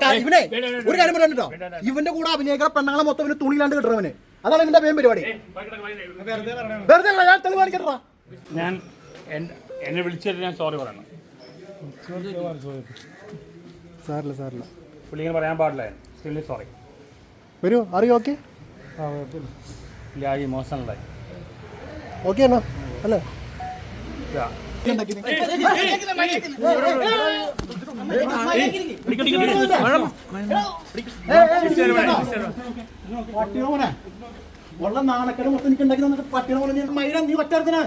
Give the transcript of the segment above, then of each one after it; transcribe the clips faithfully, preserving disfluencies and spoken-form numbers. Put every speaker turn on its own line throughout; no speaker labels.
ഇവനെ ഒരു കാര്യം പറഞ്ഞിട്ടോ, ഇവന്റെ കൂടെ അഭിനയിക്കുന്ന പെണ്ണുങ്ങളെ മൊത്തം ഇവന് തുണിയിലാണ്ട് കിട്ടണവന്. അതാണ് ഇവന്റെ പേരും പരിപാടി. വെറുതെ
ഞാൻ എന്നെ വിളിച്ചിട്ട് ഞാൻ സോറി പറയണം.
സാറില്ല സാറില്ല
പുള്ളിങ്ങനെ പറയാൻ പാടില്ല. സ്റ്റില്ലി സോറി.
വരൂ, അറിയോ? ഓക്കെ
ഇല്ല, ഈ ഇമോഷണലായി.
ഓക്കെ ആണോ? അല്ലേ പട്ടിയോനെ ഉള്ള നാണക്കട മൊത്തം എനിക്ക് ഉണ്ടാക്കി തന്നിട്ട് പട്ടിയെ പോലെ ഞാൻ മൈര നീ ഒറ്റത്തിനാണ്.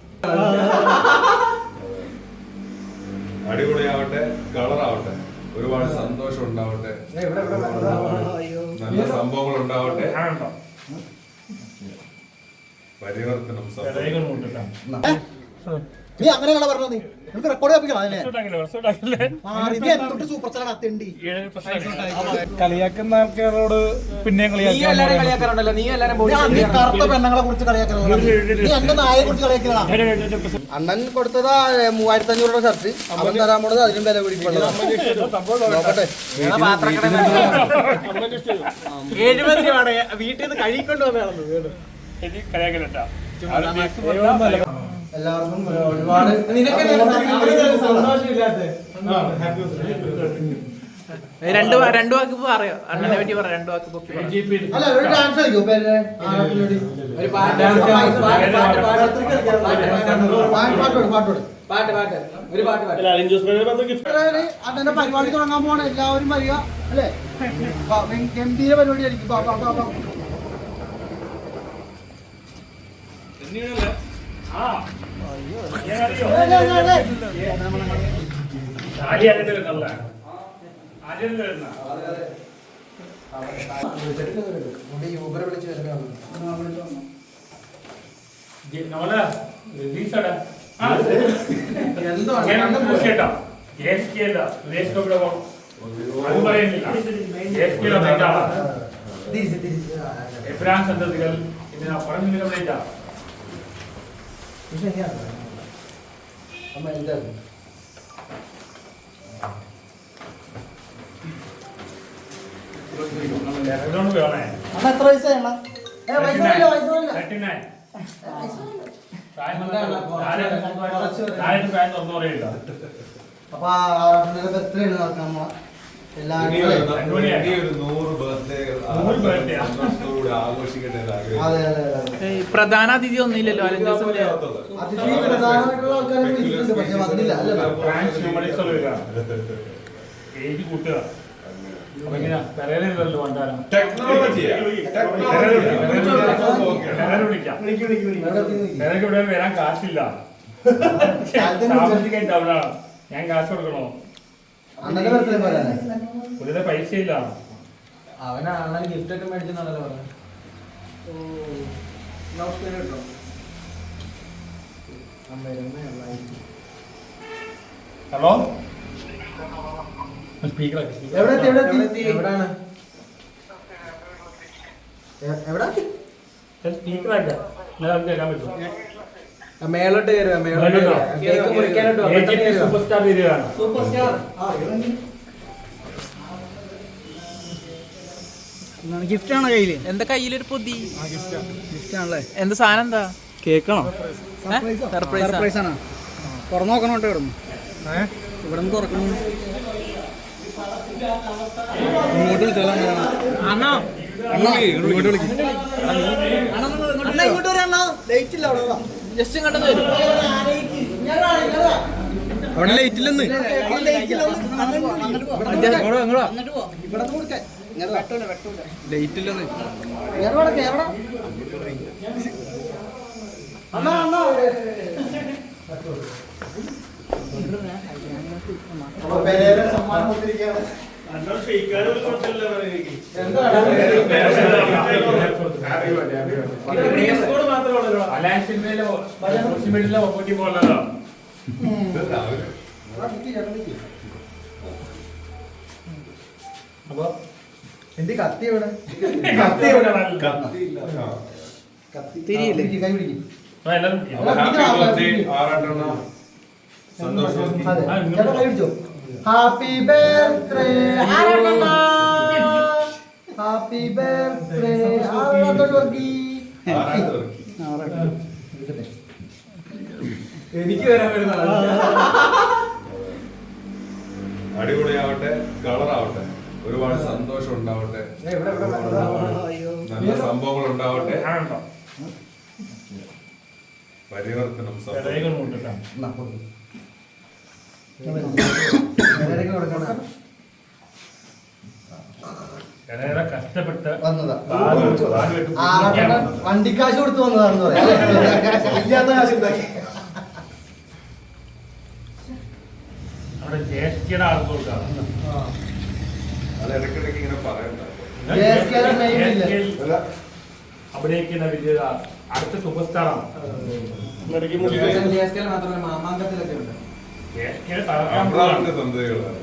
അടിപൊളിയാവട്ടെ, കളറാവട്ടെ, ഒരുപാട് സന്തോഷം ഉണ്ടാവട്ടെ, നല്ല സംഭവങ്ങൾ ഉണ്ടാവട്ടെ, പരിവർത്തനം.
നീ അങ്ങനെയാണോ പറഞ്ഞത്? നീ നമുക്ക് റെക്കോർഡ് സൂപ്പർ സ്റ്റാർ അത്തേണ്ടി
കളിയാക്കുന്ന ആൾക്കാരോട് പിന്നെ കളിയാക്കാറുണ്ടല്ലോ. നീ എല്ലാരും
കറുത്ത പെണ്ണുങ്ങളെ കുറിച്ച് കളിയാക്കണോ? നീ എന്റെ നായെ കുറിച്ച് കളിയാക്കണ?
അണ്ണൻ കൊടുത്തതാ മൂവായിരത്തി അഞ്ഞൂറ് രൂപ ഷർട്ട്, അവൻ തരാൻ പോണത് അതിനും വില പിടിക്കുന്നുണ്ട്. നോക്കട്ടെ,
എഴുപത് രൂപ വീട്ടിൽ നിന്ന് കഴിക്കൊണ്ട് വന്നതാണ്.
എല്ലാവർക്കും ഒരുപാട്
രണ്ടു രണ്ടു വാക്ക് പറയോ അണ്ണനെ പറ്റി പറ. രണ്ടു വാക്ക് പൊക്കി
അല്ല, ഒരു ഡാൻസ് കളിക്കോ? ഒരു പാട്ട് പാട്ട് പാട്ട് ഒരു പാട്ട് അണ്ണന്റെ പരിപാടി തുടങ്ങാൻ പോണ എല്ലാവരും വരിക അല്ലേ? ഗംഭീര പരിപാടി ആയിരിക്കും. യൂബർ വിളിച്ച് വരുന്നതാണ്.
സന്തതികൾ ഇതിനാ പറഞ്ഞു.
അമ്മ എന്താ എത്ര വയസ്സാണ്? അപ്പൊ എത്രയാണ് നടക്കാം?
പ്രധാന അതിഥി ഒന്നുമില്ലല്ലോ.
അതിഥി പ്രധാനമായിട്ടുള്ള ആൾക്കാരെ വിളിച്ചിട്ടുണ്ട്, പക്ഷെ വന്നില്ല.
വരാൻ കാശില്ല, ഞാൻ കാശ് കൊടുക്കണോ? പുള്ളിയുടെ പൈസ ഇല്ല.
അവനാണ് ഗിഫ്റ്റ് ഒക്കെ മേടിച്ചെന്നാണല്ലോ പറഞ്ഞത്.
ഹലോ,
എവിടെയാണ്? മേലോട്ട് കയറുക,
സൂപ്പർ സ്റ്റാർ വരികയാണ്.
സൂപ്പർ സ്റ്റാർ
ഗിഫ്റ്റ് ആണോ കയ്യില്?
എന്താ കയ്യിലൊരു പൊതി?
ഗിഫ്റ്റ് ആണല്ലേ?
എന്താ സാധനം? എന്താ
കേക്കാണോ?
സർപ്രൈസ്
ആണോ? തുറന്നു നോക്കണോട്ടോ. ഇവിടെ ഇവിടെ നിന്ന് തുറക്കണം. ഇങ്ങോട്ട് വിളിച്ചാലോ? അണ്ണാ ഇങ്ങോട്ട് വിളിക്കും.
ഇങ്ങോട്ട് വരാ, ലൈറ്റ് ഇല്ല അവിടെ.
ജസ്റ്റ് ഇങ്ങോട്ട് വരും.
അവിടെ ലൈറ്റ് ഇല്ലെന്ന്. ലൈറ്റ് ഇല്ലെന്ന്.
സമ്മാനം കൊടുത്തിരിക്കുകയാണ്.
അപ്പൊ എന്ത് കത്തി എവിടെ?
കത്തി എവിടെ?
തിരിയില്ലേ?
കൈ പിടിക്കും.
സന്തോഷം.
കൈ പിടിച്ചോ. Happy birthday. വർക്കി.
ആറാട്ട് വർക്കി.
എനിക്ക് വരാൻ വരുന്ന
അടിപൊളിയാവട്ടെ, കളറാവട്ടെ, ഒരുപാട് സന്തോഷം ഉണ്ടാവട്ടെ, നല്ല സംഭവങ്ങൾ ഉണ്ടാവട്ടെ, പരിവർത്തനം
കഷ്ടപ്പെട്ട്
വന്നതാ. ആറാട്ടണ്ണൻ വണ്ടിക്കാശ് കൊടുത്ത് വന്നതാണെന്ന് പറയാം. ഇല്ലാത്ത കാശ് ഉണ്ടാക്കി.
അവിടെ ജ്യേഷ്ഠയുടെ ആൾക്ക് കൊടുക്കാം.
അത് ഇടയ്ക്കിടയ്ക്ക് ഇങ്ങനെ പറയണ്ട.
അഭിനയിക്കുന്ന വലിയ അടുത്ത സൂപ്പർ സ്റ്റാറാണ്.
മാത്രമല്ല മാമാങ്കത്തിലൊക്കെ ഉണ്ട്.
ജ്യേഷ്ഠയുടെ തകർക്കാൻ
അബ്രാമിന്റെ സന്തതികളാണ്.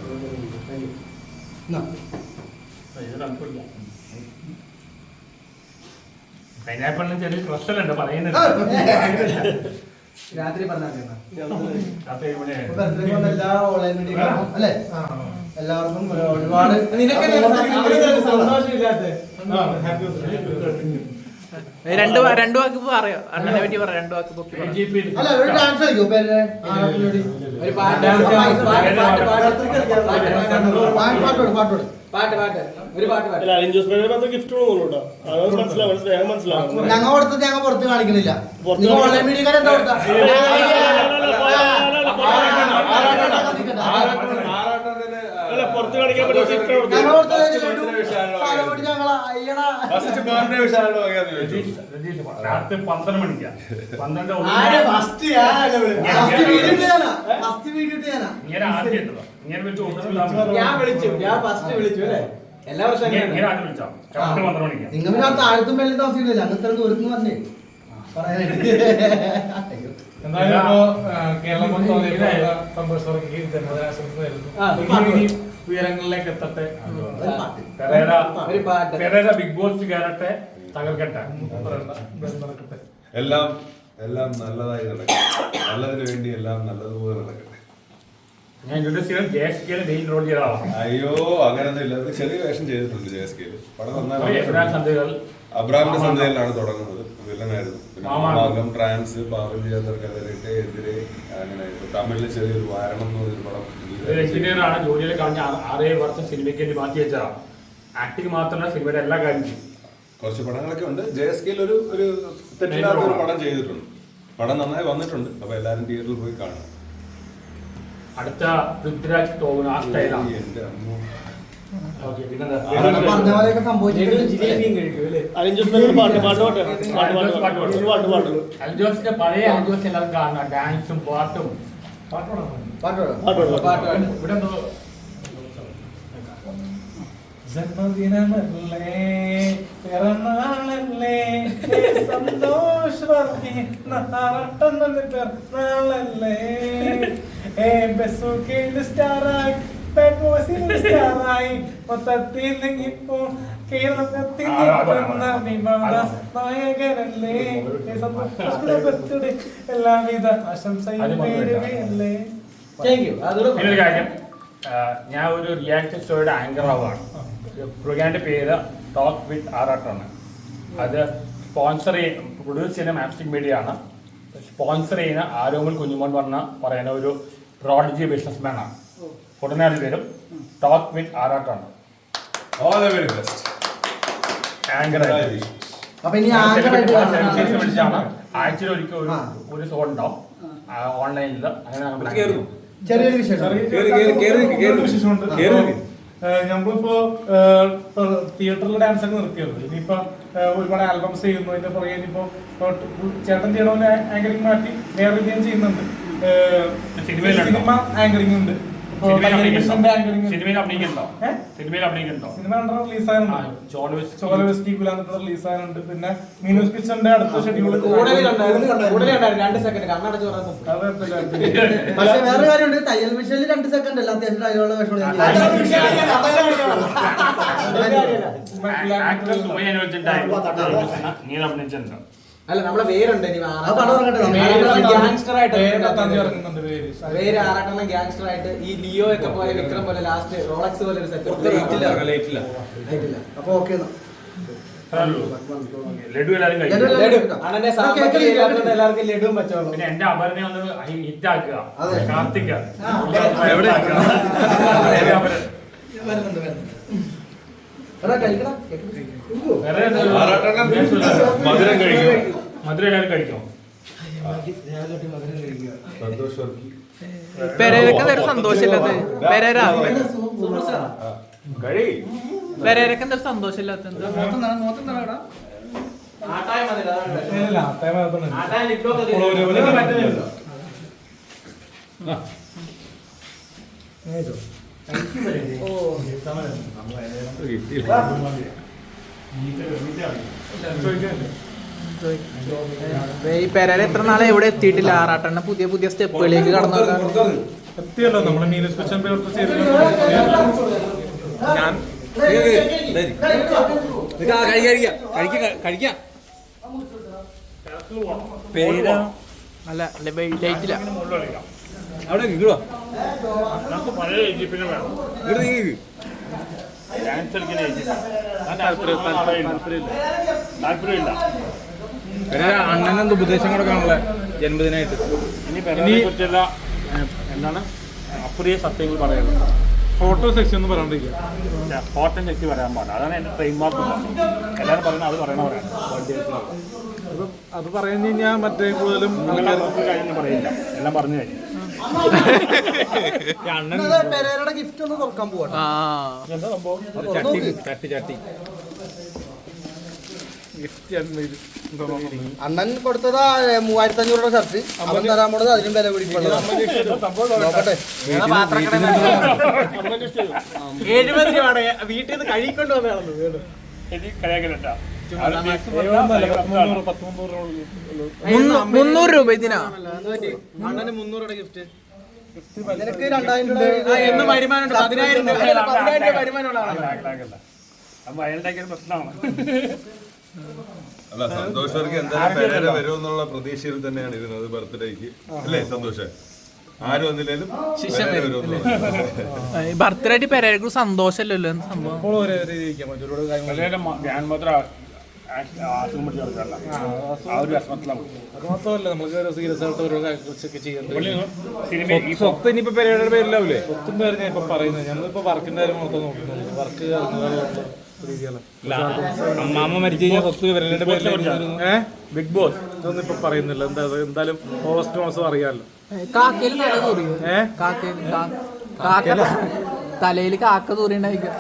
പൈനാപ്പിളിന് ചെറിയ ക്രസ്റ്റലുണ്ട് പറയുന്നത്.
രാത്രി പറഞ്ഞാൽ
എല്ലാ ഓൺലൈൻ മീഡിയ അല്ലേ എല്ലാവർക്കും ഒരുപാട്
രണ്ട് വാ- രണ്ട് വാക്ക് പറയോ അണ്ണനെ പറ്റി പറ രണ്ട് വാക്ക് പൊക്കി പറ.
അല്ല ഒരു ഡാൻസ് കളിക്കോ പേര്
ഒരു പാട്ട് പാട്ട് പാട്ട്
പാട്ടോട് പാട്ടോട്
പാട്ട് പാട്ട് ഒരു പാട്ട് പാട്ട്
ഗിഫ്റ്റ് കൊടുക്കണോ അത് മനസ്സിലാവും സ്നേഹം മനസ്സിലാവും.
ഞങ്ങൾ കൊടുത്തത് ഞങ്ങൾ പുറത്ത് കാണിക്കുന്നില്ല. ഓൺലൈൻ മീഡിയക്കാർ എന്താ കൊടുത്ത
അല്ല പുറത്ത് കാണിക്കാൻ പറ്റുന്ന ഗിഫ്റ്റ്
ഞങ്ങൾ കൊടുത്തത് ഞങ്ങൾ അയ്യടാ
ഫസ്റ്റ് ബർത്ത്ഡേ വിശാലയുടെ വകയാന്ന് ചോദിച്ചു.
രാത്രി പന്ത്രണ്ട് മണിക്കാ പന്ത്രണ്ട്
ഫസ്റ്റ് വീഡിയോ ഇട്ടാ ഫസ്റ്റ് വീഡിയോ ഇട്ടാ
ഇങ്ങനെ ആദ്യം ഇട്ടതാ. ഇങ്ങനെ വെച്ച് ഒന്നും
ഞാൻ വിളിച്ചു ഞാൻ ഫസ്റ്റ് വിളിച്ചു അല്ലേ എല്ലാ വർഷവും
ഇങ്ങനെ ആദ്യം വിളിച്ചോ കറക്റ്റ് പന്ത്രണ്ട് മണിക്കാ.
നിങ്ങൾ പിന്നെ താഴത്തും മേലെ താമസിക്കുന്നില്ല അങ്ങ് ഇത്ര ദൂരത്ത് നിന്ന് പറഞ്ഞേ പറയാനായിട്ട്
എന്തായാലും ഇപ്പോ കേരളം മൊത്തം സന്തോഷത്തോടെ ഉയരങ്ങളിലേക്ക് എത്തട്ടെ.
പെരേര
ഒരു പാട്ട്
പെരേര ബിഗ് ബോസ് കയറട്ടെ, തകർക്കട്ടെ.
നടക്കട്ടെ.
എല്ലാം എല്ലാം നല്ലതായി നടക്കട്ടെ. നല്ലതിന് വേണ്ടി എല്ലാം നല്ലതുപോലെ നടക്കട്ടെ.
ഞാൻ ഇൻട്രൊഡ്യൂസ് ചെയ്ത ജെ എസ് കെയിലെ മെയിൻ റോൾ ചെയ്ത ആളാണ്.
അയ്യോ അങ്ങനൊന്നും ഇല്ല. അത് ചെറിയ വേഷം ചെയ്തിട്ടുണ്ട് ജെ എസ് കെയില്. പടം നന്നായി.
എബ്രാഹിം സന്ധ്യകൾ
അബ്രാമിന്റെ സന്ധ്യയിലാണ് തുടങ്ങുന്നത്. വില്ലനായിരുന്നു. പിന്നെ
മാമാങ്കം.
മാമാങ്കം, ട്രാൻസ്, പാവൽ ചേർക്കെതിരെ എതിരെ അങ്ങനെ തമിഴില് ചെറിയൊരു വാരണം എന്ന് പറഞ്ഞൊരു പടം.
ഒരു എഞ്ചിനീയർ ആണ്. ജോലിയിൽ കഴിഞ്ഞ ആറേഴ് വർഷം സിനിമയ്ക്ക് വേണ്ടി മാറ്റി വെച്ചതാണ്. ആക്ടിങ് മാത്രമല്ല സിനിമയുടെ എല്ലാ കാര്യവും.
കുറച്ച് പടങ്ങളൊക്കെ ഉണ്ട്. ജെ എസ് കെയിൽ ഒരു ഒരു തെറ്റില്ലാത്ത ഒരു പടം ചെയ്തിട്ടുണ്ട്. പടം നന്നായി വന്നിട്ടുണ്ട്. അപ്പൊ എല്ലാരും തിയേറ്ററിൽ പോയി കാണും.
അടുത്ത പൃഥ്വിരാജ് ടോവിനോ ആ സ്റ്റൈലാണ്.
എന്റെ അമ്മോ.
ഓക്കെ പിന്നെന്താ
പറഞ്ഞ പോലെയൊക്കെ സംഭവിച്ചിട്ടുണ്ട്.
ജിലേബിയും കഴിക്കും അല്ലേ
അലിഞ്ചോസ് പാട്ട് പാട്ട് പാട്ട് പാട്ട് പാട്ട് പാട്ട് ഒരു പാട്ട് പാട്ട്
അൽജോസിന്റെ പഴയ അൽജോസ് എല്ലാവരും കാണണം. ഡാൻസും പാട്ടും
പാട്ടോട്
പാട്ട്
പാട്ട് പാട്ട്
ഇവിടെ എന്തോ
ജന്മദിനമല്ലേ പിറന്നാളല്ലേ സന്തോഷവർത്തി നാറട്ടെന്നെ പിറന്നാളല്ലേ ഏ ബെസുകേൽ സ്റ്റാറായി പെട്രോസിൽ സ്റ്റാറായി മൊത്തത്തിൽ നിങ്ങിപ്പോ കേരളത്തിൽ നിൽക്കുന്ന വിവാദ നായകനല്ലേ സന്തോഷ എല്ലാവിധ ആശംസയും നേരുകയല്ലേ.
താങ്ക് യു അതോടെ
പിന്നൊരു കാര്യം, ഞാൻ ഒരു റിയാലിറ്റി ഷോയുടെ ആങ്കർ ആവുകയാണ്. പ്രോഗ്രാമിന്റെ പേര് ടോക്ക് വിത്ത് ആറാട്ടാണ്. അത് സ്പോൺസർ ചെയ്യുന്ന പ്രൊഡ്യൂസ് ചെയ്യുന്ന മാപ്സ്റ്റിക് മീഡിയ ആണ്. സ്പോൺസർ ചെയ്യുന്ന ആരോമൽ കുഞ്ഞുമോൻ പറഞ്ഞ പറയുന്ന ഒരു പ്രോഡജി ബിസിനസ്മാൻ ആണ്. ഉടനെ അത് വരും. ടോക്ക് വിത്ത് ആറാട്ടാണ്
All the very best.
Anchor
അപ്പൊ ഇനി ആങ്കറായിട്ട്
വിളിച്ചാണ്. ആഴ്ചയിൽ ഒരിക്കൽ ഒരു ഒരു ഷോ ഉണ്ടാവും ഓൺലൈനിൽ. അങ്ങനെ നമ്മൾ
ചെറിയൊരു വിശേഷം
നമ്മളിപ്പോ തിയേറ്ററിൽ ഡാൻസ് ഒക്കെ നിർത്തിയത്. ഇനിയിപ്പോ ഒരുപാട് ആൽബംസ് ചെയ്യുന്നു. അതിന്റെ പുറകെ ഇനിയിപ്പോ ചേട്ടൻ ചെയ്യണമെന്ന് ആങ്കറിങ് മാറ്റി വേറെ രീതിയും ചെയ്യുന്നുണ്ട്. സിനിമ ആങ്കറിങ് ഉണ്ട്.
സിനിമയിൽ അഭിനയിക്കുന്നുണ്ടോ? സിനിമയിൽ അഭിനയിക്കുന്നുണ്ടോ?
സിനിമ റിലീസാകുന്നുണ്ട്. ചോലവെസ്റ്റി കുലാന്തർ റിലീസാകുന്നുണ്ട്. പിന്നെ മീനൂസ് കിച്ചന്റെ അടുത്ത ഷെഡ്യൂൾ
രണ്ട് സെക്കൻഡ് കണ്ണടച്ച് പറഞ്ഞു.
പക്ഷെ വേറെ കാര്യമുണ്ട്. തയ്യൽ മിഷനിൽ രണ്ട് സെക്കൻഡ് അല്ല അത്യാവശ്യം അതിലുള്ള വിഷമം
നീ അഭിനയിച്ചിട്ടുണ്ടോ?
അല്ല നമ്മളെ പേരുണ്ട് ഇനി
ആ പടം ഇറങ്ങട്ടെ.
ഗ്യാങ്സ്റ്റർ ആയിട്ട്
ഇറങ്ങുന്നുണ്ട് പേര്.
പേര് ആറാട്ടെണ്ണം ഗ്യാങ്സ്റ്റർ ആയിട്ട് ഈ ലിയോ ഒക്കെ പോലെ വിക്രം പോലെ ലാസ്റ്റ് റോളക്സ് പോലെ ഒരു സെറ്റ്
അപ്പൊ ഓക്കെ
ലഡു എല്ലാവരും കഴിക്കും.
അണ്ണന്റെ സാമ്പത്തിക ഇല്ലാത്തതുകൊണ്ട് എല്ലാവർക്കും ലഡുവും പച്ചവെള്ളം.
പിന്നെ എന്റെ അപരനെ ഒന്ന് ഹിറ്റ് ആക്കുക. കാർത്തിക
എവിടെ?
വേറെ
മധുരം കഴിക്കും.
മധുരം എല്ലാവരും കഴിക്കും.
സന്തോഷ് വർക്കി.
പെരേരക്ക് എന്തൊരു സന്തോഷമില്ലാത്ത പെരേര
കഴി.
പെരേരക്ക് എന്തൊരു സന്തോഷമില്ലാത്ത
ആട്ടായ മതി, അതാണ്.
ഇല്ല, ആട്ടായ ഭാഗത്തുണ്ട്.
ആട്ടായ ലിറ്റൊക്കെ
ഇപ്പോൾ ഒരു പോലെ
ഇത് പറ്റുന്നില്ല.
ഈ പെരേര എത്ര നാളെ എവിടെ എത്തിയിട്ടില്ല. ആറാട്ടെണ്ണ പുതിയ പുതിയ സ്റ്റെപ്പുകളിലേക്ക് കടന്നു
എത്തിയല്ലോ നമ്മള് മീനസ് സ്പെഷ്യൽ പ്രവർത്തി ചെയ്തില്ല. ഞാൻ
പേര് അല്ല ലൈറ്റില്ല.
നമുക്ക് പഴയ ഈജിപ്തിനെ വേണം. ഡാൻസ് കളിക്കുന്ന ഈജിപ്ത്. താല്പര്യമില്ല.
അണ്ണനെന്ത് ഉപദേശം കൊടുക്കാനുള്ള ജന്മദിനായിട്ട്
ഇനി പെരേരയെ കുറിച്ചുള്ള എന്താണ് അപ്രിയ സത്യങ്ങൾ പറയുന്നത്.
ഫോട്ടോ സെക്ഷൻ ഒന്ന് പറയാണ്ടിരിക്കുക.
ഫോട്ടോ ചെക്ക് പറയാൻ പാടില്ല. അതാണ് എൻ്റെ ട്രെയിൻ മാർക്ക്. എല്ലാവരും പറയുന്നത് അത് പറയണവരാണ്.
അത് അത് പറഞ്ഞു കഴിഞ്ഞാൽ മറ്റേ കൂടുതലും
കാര്യം പറയില്ല. എല്ലാം പറഞ്ഞു കഴിഞ്ഞു.
പെരേരയുടെ ഗിഫ്റ്റ് ഒന്ന് തുറക്കാൻ പോവാ.
ആ
എന്താ സംഭവം?
ചട്ടി ചട്ടി അണ്ണൻ കൊടുത്തതാ മൂവായിരത്തി അഞ്ഞൂറ് രൂപ ഷർട്ട്. അവൻ തരാൻ പോണത് അതിലും വില പിടിക്കുള്ളതാണ്. നോക്കട്ടെ.
എഴുപത് രൂപയുടെ വീട്ടിൽ നിന്ന് കഴിക്കൊണ്ട് വന്നതാണെന്ന് വീട്.
എനിക്ക് കളിയാക്കലട്ടാ.
മുന്നൂറ് രൂപ ഇതിനാ.
അണ്ണന് മുന്നൂറ് രൂപ ഗിഫ്റ്റ്. നിനക്ക് രണ്ടായിരം
ആ,
രൂപ
എന്ന് വരുമാനം പതിനായിരം രൂപ പതിനായിരം രൂപ വരുമാനമുള്ള ആളാണ്.
അപ്പൊ അയാളുടെ പ്രശ്നമാണ്.
അല്ല, സന്തോഷ് വർക്കി എന്തായാലും പെരേര വരുമെന്നുള്ള പ്രതീക്ഷയിൽ തന്നെയാണ് ഇരുന്നത് ബർത്ത്ഡേക്ക്. അല്ലേ സന്തോഷ്? ആരും വന്നില്ലേലും പെരേര വരുമെന്നുള്ള.
ബർത്ത്ഡേ ആയിട്ട് പെരേരക്ക് സന്തോഷമല്ലല്ലോ എന്ത് സംഭവം.
ഇപ്പോൾ ഒരേ രീതിക്കാൻ പറ്റും. ഒരുപാട് കാര്യങ്ങൾ
ഞാൻ മാത്രം ആശുപത്രി പിടിച്ച് കൊടുക്കാറില്ല. ആ ഒരു വിഷമത്തിലാണ്.
അത് മാത്രമല്ല നമുക്ക് സീരിയസ് ആയിട്ട് ഓരോ കാര്യങ്ങളൊക്കെ ചെയ്യുന്നുണ്ട്.
സിനിമ
സ്വത്ത് ഇനിയിപ്പോ പെരേരയുടെ പേരിലാവൂലേ?
ഒത്തും പേര് ഞാൻ ഇപ്പൊ പറയുന്നത് ഞങ്ങളിപ്പോ വർക്കിന്റെ കാര്യം മാത്രം നോക്കുന്നുണ്ട്. വർക്ക് രീതിയാണ്.
അമ്മാമ്മ മരിച്ചു കഴിഞ്ഞാൽ സ്വത്ത് പെരേരയുടെ പേരിലായിരുന്നു.
ഏഹ്
ബിഗ് ബോസ്
ഇതൊന്നും ഇപ്പൊ പറയുന്നില്ല. എന്താ എന്തായാലും ഓഗസ്റ്റ് മാസം അറിയാമല്ലോ.
കാക്കയില് തല തൂറിയോ?
ഏഹ്
കാക്കയില് കാക്ക തലയില് കാക്ക തൂറിണ്ടായിരിക്കും.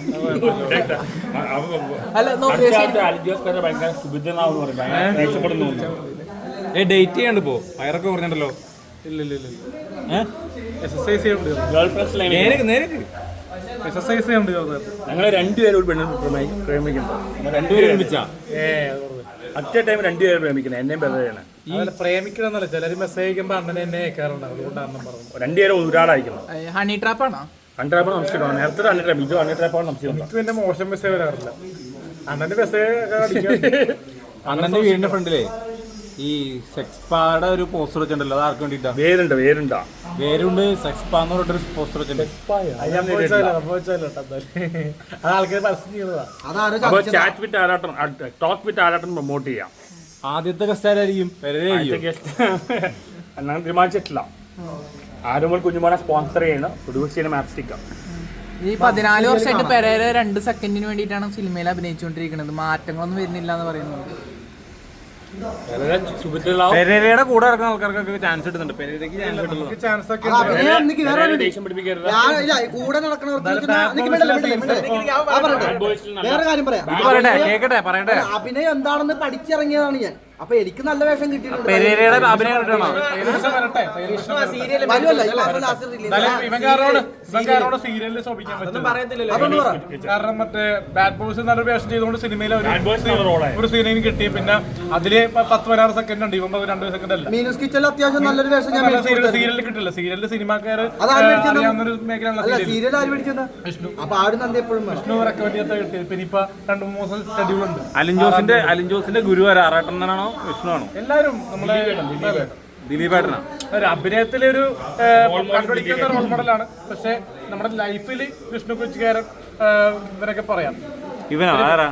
അല്ല നോക്കിയ
അൽജോസ്കാരെ ഭയങ്കര സുഭിദ്ധനാവെന്ന് പറയും. ഭയങ്കര രക്ഷപ്പെടുന്നു.
ഏ ഡേറ്റ് ചെയ്യാണ്ട് പോ. വയറൊക്കെ പറഞ്ഞിട്ടുണ്ടല്ലോ.
ഇല്ല ഇല്ല ഇല്ല എക്സസൈസ് ചെയ്യണ്ട്.
ഗേൾ ഫ്രണ്ട്സ് ലൈൻ
നേരെ നേരെ
എക്സസൈസ് ചെയ്യണ്ട് ചെറുതായിട്ട്.
ഞങ്ങൾ രണ്ടുപേരും ഒരു പെണ്ണിനെ പ്രേമിക്കുന്നു.
രണ്ടുപേരും ഒരുമിച്ചാ.
ഏ അറ്റ ടൈം രണ്ടുപേരും പ്രേമിക്കുന്നത്. എന്നെയും ബെതയാണ്.
ഈ പ്രേമിക്കണമെന്നല്ല, ചിലര് മെസ്സേജ് അയക്കുമ്പോ അണ്ണനെ എന്നെ അയക്കാറുണ്ട്. അതുകൊണ്ടാണ് അണ്ണൻ പറഞ്ഞത്.
രണ്ടുപേരും ഒരാളായിരിക്കണം.
ഹണി ട്രാപ്പാണോ?
അൺട്രാപ്പാണ് സംശയമാണ്. നേരത്തെ അൺട്രാപ്പ് ഇത് അൺട്രാപ്പാണ് സംശയമുണ്ട്.
എനിക്ക് പിന്നെ മോശം മെസ്സേജ് വരാറില്ല. അണ്ണന്റെ മെസ്സേജ്
അണ്ണന്റെ വീടിന്റെ ഫ്രണ്ടിലേ ഈ സെക്സ് പായുടെ ഒരു പോസ്റ്റർ വെച്ചിട്ടുണ്ടല്ലോ. അത് ആർക്ക് വേണ്ടിട്ടാ?
വേരുണ്ട് വേരുണ്ടാ
വേരുണ്ട് സെക്സ് പാന്ന് പറഞ്ഞിട്ടൊരു പോസ്റ്റർ വെച്ചിട്ടുണ്ട്.
അത് ആൾക്കാർ പരസ്യം ചെയ്യുന്നതാ.
അതാരും
അപ്പൊ chat with Arattan talk with Arattan promote ചെയ്യാം.
ആദ്യത്തെ ഗസ്റ്റാരായിരിക്കും?
എന്നാണ് തീരുമാനിച്ചിട്ടില്ല. ആരോമൽ കുഞ്ഞുമോനെ സ്പോൺസർ ചെയ്യുന്ന പ്രൊഡ്യൂസ് ചെയ്യുന്ന മാപ്സ്റ്റിക്ക.
ഈ പതിനാല് വർഷമായിട്ട് പെരേര രണ്ട് സെക്കൻഡിന് വേണ്ടിയിട്ടാണ് സിനിമയിൽ അഭിനയിച്ചുകൊണ്ടിരിക്കുന്നത്. മാറ്റങ്ങളൊന്നും വരുന്നില്ല എന്ന് പറയുന്നത്.
പെരേരയുടെ കൂടെ ഇറക്കുന്ന ആൾക്കാർക്കൊക്കെ ചാൻസ് കിട്ടുന്നുണ്ട്. പെരേരയ്ക്ക് ചാൻസ് കിട്ടുന്നു.
ചാൻസ് ഒക്കെ
ആ, പിന്നെ ഞാൻ നിക്ക് വേറെ ഒരു-
ദേഷ്യം പിടിപ്പിക്കരുത്.
ഞാൻ- ഇല്ല, ഈ കൂടെ നടക്കണവർക്ക് നിക്ക് ഞാൻ- നിക്ക് മിണ്ടല്ലേ, മിണ്ടല്ലേ, മിണ്ടല്ലേ. ആ, പറയട്ടെ. വേറെ കാര്യം പറയാം.
പറയട്ടെ കേക്കട്ടെ പറയട്ടെ.
അഭിനയം എന്താണെന്ന് പഠിച്ചിറങ്ങിയതാണ് ഞാൻ. അപ്പൊ എനിക്ക് നല്ല വേഷം കിട്ടിയിട്ടുണ്ട്.
പെരേരയുടെ അഭിനയം കിട്ടണോ?
വരുമല്ല, ഈ മാസം last release.
ഇവൻകാരോട് ഇവൻകാരോട് സീരിയലിൽ ശോഭിക്കാൻ പറ്റും.
അതൊന്ന് പറ.
കാരണം മറ്റേ ബാഡ് ബോയ്സ് നല്ലൊരു വേഷം ചെയ്തുകൊണ്ട് സിനിമയിൽ
Bad Boys എന്നുള്ള റോളായി.
ഒരു സീനിന് കിട്ടി. പിന്നെ അതില് പ- പത്ത് പതിനാറ് സെക്കൻഡ് ഉണ്ട്. ഇവൻ രണ്ട് സെക്കൻഡ് അല്ല.
മീനൂസ് കിച്ചണിൽ അത്യാവശ്യം നല്ലൊരു വേഷം ഞാൻ മേടിച്ചു കൊടുത്തായിരുന്നു.
സീരിയലിൽ കിട്ടില്ല. സീരിയലിൽ സിനിമാക്കാര്
അതാര് മേടിച്ചത്?
അറിയാവുന്നൊരു മേഖലയാണ്
അല്ല,
സീരിയൽ.
സീരിയൽ ആര് മേടിച്ചത്? അപ്പൊ ആട് നന്ദി എപ്പോഴും വേണം.
വിഷ്ണു റെക്കമെൻഡ് ചെയ്യാത്ത കിട്ടി. പിന്നെ ഇപ്പൊ രണ്ട് മൂന്ന് ദിവസം ഷെഡ്യൂൾ ഉണ്ട്.
അലിൻ ജോസിന്റെ അലിൻ ജോസിന്റെ ഗുരു ആറാട്ടനാണോ വിഷ്ണു ആണോ?
എല്ലാവരും നമ്മളെ
ദിലീപേട്ടനാ.
ഒരു അഭിനയത്തിലെ ഒരു കണ്ടുപിടിക്കുന്ന റോൾ മോഡലാണ്. പക്ഷെ നമ്മുടെ ലൈഫിൽ വിഷ്ണു കൊച്ചുകാരൻ ഇവരൊക്കെ പറയാം.
ഇവനോ ആരാ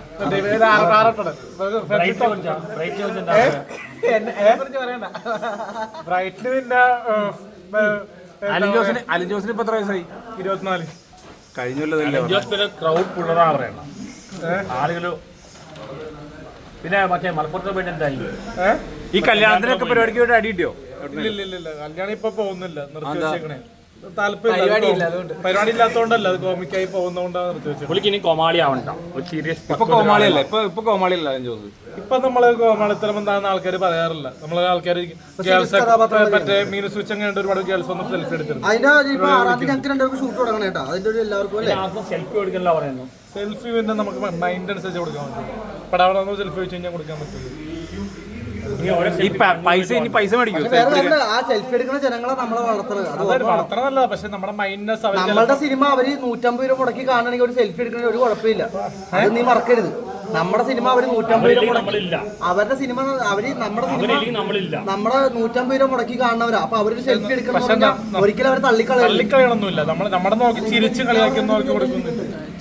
ബ്രൈറ്റിന് പിന്നെ
അലിൻ ജോസിന് അലിൻ ജോസിന് ഇപ്പൊ എത്ര വയസ്സായി?
ഇരുപത്തിനാല്
കഴിഞ്ഞല്ലോ.
ക്രൗഡ് പുള്ളറാ പറയണം ആളുകള്. പിന്നെ മറ്റേ മലപ്പുറത്ത് പോയിട്ട് എന്തായി?
ഈ കല്യാണത്തിനൊക്കെ പരിപാടിക്ക് വേണ്ടി അടി കിട്ടിയോ?
ഇല്ല ഇല്ല ഇല്ല കല്യാണം ഇപ്പൊ പോകുന്നില്ല, നിർത്തി വെച്ചേക്കണേ. താല്പര്യം പരിപാടി ഇല്ലാത്തോണ്ടല്ല, അത് കോമിക്കായി പോകുന്നോണ്ടാണ് നിർത്തി വെച്ചത്.
പുള്ളിക്ക് ഇനി കോമാളി ആവണ്ട, ഒരു സീരിയസ്.
ഇപ്പൊ കോമാളിയല്ല, ഇപ്പൊ ഇപ്പൊ കോമാളിയല്ല അലിൻ ജോസ്.
ഇപ്പൊ നമ്മള് കോമാളിത്തരം എന്താണെന്ന് ആൾക്കാർ പറയാറില്ല. നമ്മളെ ആൾക്കാർ ഗേൾസ് മറ്റേ മീനസ് വെച്ച് അങ്ങനെ ഒരുപാട് ഗേൾസ് ഒന്നും സെൽഫി എടുത്തിരുന്നു.
അതിന്റെ ഇപ്പൊ ആറാം തീയതി ഞങ്ങൾക്ക് രണ്ടുപേർക്ക് ഷൂട്ട് തുടങ്ങണം കേട്ടോ. അതിന്റെ ഒരു എല്ലാവർക്കും അല്ലേ
സെൽഫി കൊടുക്കല്ല പറയുന്നു.
സെൽഫി പിന്നെ നമുക്ക് മൈൻഡ് അനുസരിച്ച് കൊടുക്കാൻ പറ്റും. പടാവണം സെൽഫി വെച്ച് കഴിഞ്ഞാൽ കൊടുക്കാൻ പറ്റുള്ളൂ.
ഈ പൈസ ഇനി പൈസ മേടിക്കും.
ആ സെൽഫി എടുക്കുന്ന ജനങ്ങളെ നമ്മളെ വളർത്തണത്
അത് വളർത്തണമല്ല, പക്ഷെ നമ്മുടെ മൈൻഡ്നെസ്
നമ്മളുടെ സിനിമ അവര് നൂറ്റമ്പത് രൂപ മുടക്കി കാണണമെങ്കിൽ ഒരു സെൽഫി എടുക്കുന്ന ഒരു കുഴപ്പമില്ല. അത് നീ മറക്കരുത്. നമ്മുടെ സിനിമ അവര് നൂറ്റമ്പത് രൂപ മുടക്കി, അവരുടെ സിനിമ അവര് നമ്മുടെ സിനിമ നമ്മുടെ നൂറ്റമ്പത് രൂപ മുടക്കി കാണുന്നവരാ. അപ്പൊ അവരൊരു സെൽഫി എടുക്കണം, ഒരിക്കലും അവർ തള്ളിക്കളയും.
തള്ളിക്കളയണമെന്നില്ല. നമ്മൾ നമ്മുടെ നോക്കി ചിരിച്ച് കളിയാക്കി നോക്കി കൊടുക്കുന്നില്ല.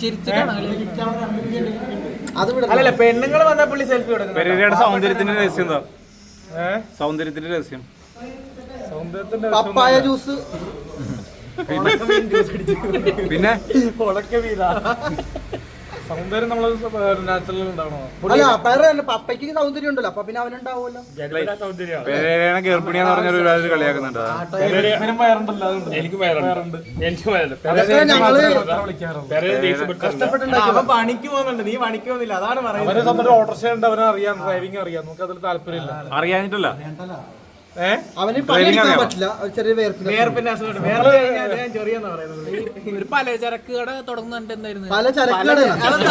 അത്
അല്ലല്ല, പെണ്ണുങ്ങൾ വന്നാൽ പുള്ളി സെൽഫി കൊടുക്കും.
പെരേരയുടെ സൗന്ദര്യത്തിന്റെ രഹസ്യം എന്താ? സൗന്ദര്യത്തിന്റെ രഹസ്യം
സൗന്ദര്യത്തിന്റെ
പപ്പായ ജ്യൂസ്
പിന്നെ
സൗന്ദര്യം നമ്മള് നാച്ചുറൽ ഉണ്ടാവണോ?
അല്ല പേര് പപ്പയ്ക്ക് സൗന്ദര്യം ഉണ്ടല്ലോ, അപ്പൊ പിന്നെ അവനുണ്ടാവുമല്ലോ.
പെരേരനെ ഗർഭിണിയാന്ന് പറഞ്ഞ ഒരുപാട് കളിയാക്കുന്നുണ്ട്.
വയറുണ്ടല്ലോ, അതുകൊണ്ട്
എനിക്ക് വയറുണ്ട്, എനിക്ക് വയറുണ്ട്.
അവൻ പണിക്ക് പോകുന്നുണ്ട്, നീ പണിക്ക് പോകുന്നില്ല, അതാണ് പറയുന്നത്.
അവരെ സ്വന്തം ഓട്ടോറിക്ഷ ഉണ്ട്, അവനെ അറിയാം, ഡ്രൈവിംഗ് അറിയാം. നമുക്ക് അതിൽ താല്പര്യമില്ല.
അറിയാനിട്ടല്ല,
അവന് പണിയെടുക്കാൻ പറ്റില്ല, ചെറിയ വേർപ്പിന്
വേർപ്പിന്റെ അസുഖം. വേറെ ഞാൻ ചെറിയെന്നാ പറയുന്നത്.
ഒരു പലചരക്ക് കട തുടങ്ങുന്നുണ്ട്. എന്തായിരുന്നു
പല ചരക്കുകള്